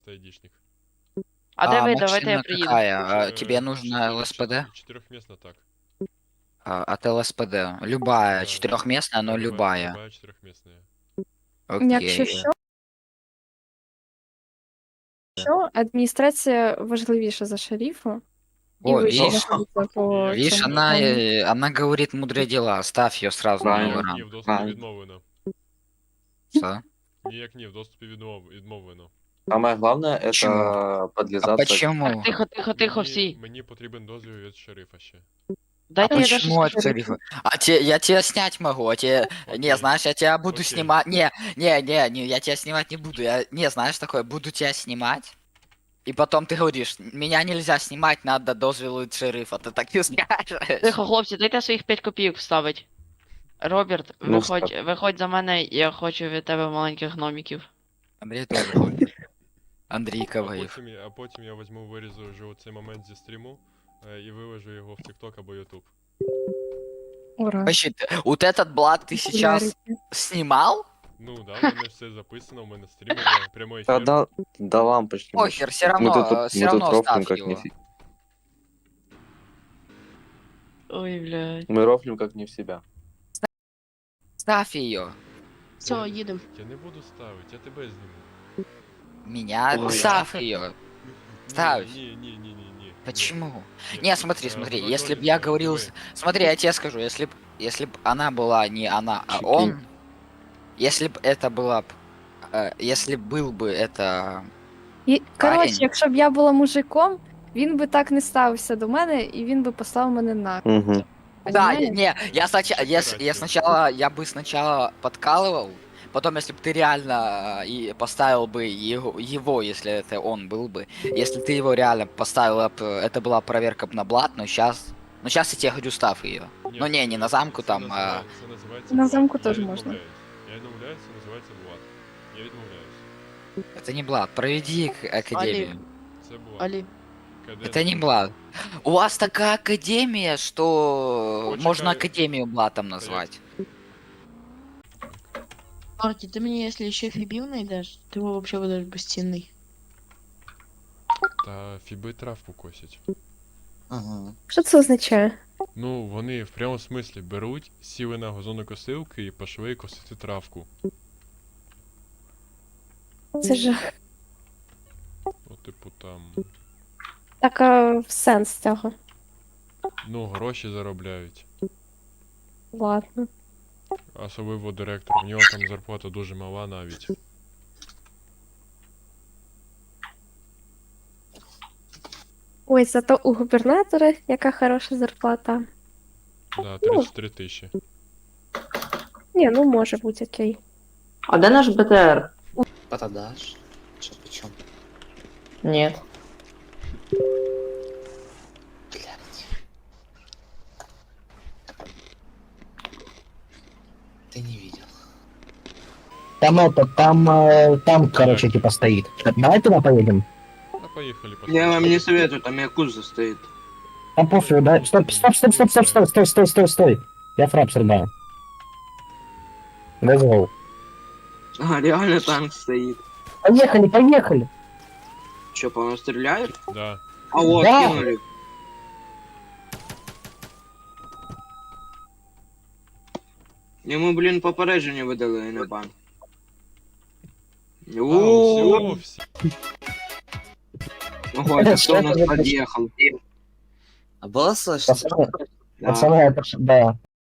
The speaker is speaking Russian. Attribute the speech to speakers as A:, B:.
A: Ты айдишник.
B: А де ви? Давайте
C: машина
B: я приїду.
C: какая? Тебе нужно ЛСПД?
A: Четырехместно так.
C: От ЛСПД. Любая,
A: Да.
C: четырехместная, но
A: Да,
C: любая.
A: Любая четырехместная.
D: Якщо
C: Окей.
D: що, адміністрація важливіша за шерифа. І
C: О,
D: ви ще
C: видишь?
D: знаходиться по
C: Видишь,
D: цьому
C: она,
D: плану.
C: она говорит мудрые дела. Ставь ее сразу на
E: Правильно.
C: номера.
A: Ні, в доступі
E: Правильно.
A: відмовлено.
C: Что?
A: Ніяк ні, в доступі відмовлено.
E: Самое главное это
C: Почему? А
E: подлизаться.
C: почему?
B: Тихо, всі.
A: Мені потрібен дозвіл від шерифа ще.
C: А
B: Дайте я даже
C: почему от
B: скажу.
C: шерифа? Я тебя снять могу, а тебе... Не,
A: Окей.
C: знаешь, я тебя буду
A: Окей.
C: снимать... Не, я тебя снимать не буду. Не, знаешь такое, буду тебя снимать. И потом ты говоришь, меня нельзя снимать, надо дозвіл від шерифа. Ты так и скажешь.
B: Тихо, хлопці, дайте своїх 5 копійок вставить. Роберт,
E: Ну,
B: виходь за мене, я хочу від тебе маленьких гномиків.
C: Андрей тоже ходит. Андрійка воїв.
A: А потім я візьму, вирізу вже цей момент зі стріму і виложу його в TikTok або YouTube.
D: Ура.
C: Вообще, вот этот блат ты сейчас
D: Популярity.
C: снимал?
A: Ну да, в мене все записано, у мене стрім іде, прямой ефір.
E: Да лампочки.
C: Похер, все
E: Мы
C: равно,
E: тут,
C: все
E: мы тут
C: равно
E: рофлим
C: ставь
E: как
C: его.
E: не
B: Ой, блядь.
E: Мы рофлим как не в себя.
C: Ставь ее.
F: Все, їдемо.
A: Я не буду ставити, я тебе зніму.
C: Меня,
E: Ой.
C: ставь ее. Ставь.
A: Ні.
C: Почему?
A: Ні.
C: Не, смотри, смотри,
A: Давай,
C: если бы
A: давай,
C: я
A: давай.
C: говорил... Смотри, я тебе скажу, если б она была не она, а
E: Чики.
C: он... Если б это была... Если был бы это...
D: І, коротше,
C: Парень.
D: якщо б я була мужиком, він би так не ставився до мене, і він би послав мене на.
E: Угу.
C: Да,
D: Понимаешь?
C: не, я
A: Собирайся.
C: сначала, я бы сначала подкалывал, потом, если бы ты реально и поставил бы его, если это он был бы, если ты его реально поставил, это была проверка б на блат, но сейчас я тебе говорю, ставь ее. Ну не на замку
A: це
C: там,
A: називає- це називається
D: На
A: блат.
D: замку
A: Я
D: теж
A: відмовляюсь.
D: можна.
A: Я відмовляюсь, це називається блат. Я відмовляюсь.
C: Это не блат, проведи академию.
A: Це блат.
F: Алі.
C: Это не блат. У вас такая академия, что
A: Почекай.
C: можно академию блатом назвать.
F: Марті, ти мені, якщо ще фібів знайдеш, ти взагалі будеш безцінний.
A: Та фіби травку косять.
C: Ага.
D: Що це означає?
A: Ну, вони в прямому смислі беруть, сіли на газонокосилки і пішли косити травку.
D: Це ж
A: Ну, типу там,
D: така сенс цього.
A: ну, гроші заробляють.
D: Ладно.
A: Особливо директор. В нього там зарплата дуже мала навіть.
D: Ой, зато у губернатора яка хороша зарплата.
A: Да, 33 тисячі.
D: Ні, ну може бути окей.
G: А де наш БТР?
C: Продашь? Что, почем?
G: Нет.
C: Ты не видел.
H: Там, короче, типа стоит. Давай туда поедем.
A: Ну, поїхали,
I: Я вам не
A: посмотрим.
I: советую, там якуза стоит.
H: Там пофиг, да? Стой. Я фраг срубаю. Let's go.
I: А, реально танк стоит.
H: Поехали.
I: Че, по нам стреляют?
A: Да.
I: А вот,
H: Да.
I: кинули. Йому, блін, попередження видали на бан.
A: А, все, все.
I: Ого, это кто у нас подъехал?
C: А было слышно?
H: Пацаны, это да.